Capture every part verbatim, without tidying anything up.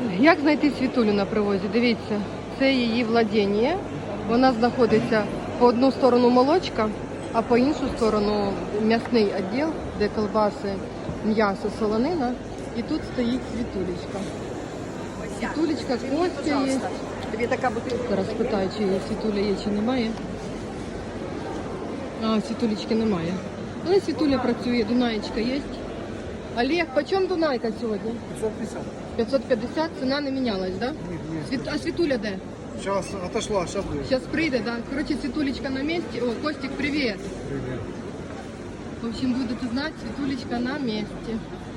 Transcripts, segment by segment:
Як знайти Світулю на привозі? Дивіться, це її владіння. Вона знаходиться по одну сторону молочка, а по іншу сторону м'ясний відділ, де колбаси, м'ясо, солонина. І тут стоїть Світулечка. Світулечка, Костя є. Тобі така бутилка. Зараз питаю, чи Світуля є, чи немає. А, Світулечки немає. Але Світуля працює, Дунаєчка є. Олег, почем Дунайка сьогодні? пятьсот пятьдесят. п'ятсот п'ятдесят, ціна не мінялась, так? Да? Нет, нет. Світ... А Світуля де? Сейчас отошла, сейчас будет. Сейчас прийде, да? Короче, Світулечка на месте. О, Костик, привет. Привет. В общем, будете знать, Світулечка на месте.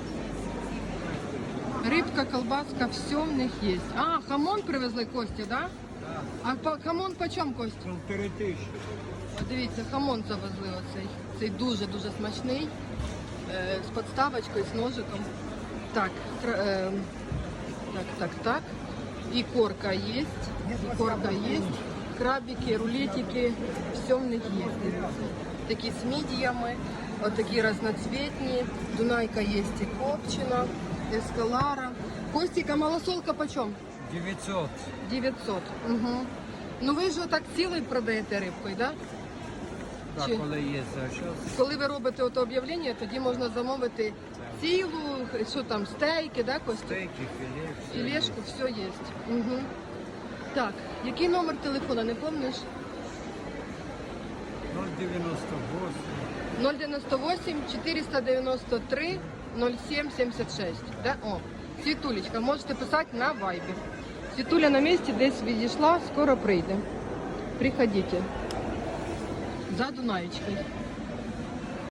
Рибка, колбаска, все в них є. А, хамон привезли Кості, да? А по, хамон почем, Костя? Полторы тысячи. От дивіться, хамон завезли оцей. Цей дуже-дуже смачний. Е, з подставочкою, з ножиком. Так, кра- е, так, так, так. І корка є, і корка є. Крабики, рулетики, все в них є. Такі з мідіями, отакі разноцветні. Дунайка є і копчена, ескалара. Костіка, малосолка почем? девятьсот. дев'ятсот. Угу. Ну ви ж отак цілий продаєте рибкою, так? Да? Так, Чи- коли є за щось. Коли ви робите ото об'явлення, тоді можна замовити цілу, що там, стейки, да, Костя? Стейки, філе. все Філешку, все є. Угу. Так, який номер телефона, не пам'ятаєш? є. ноль девяносто восемь. ноль дев'яносто вісім чотириста дев'яносто три нуль сім сімдесят шість. Да? О, Світулечка, можете писати на вайбі. Світуля на місці десь відійшла, скоро прийде. Приходите. За Дунаєчкою.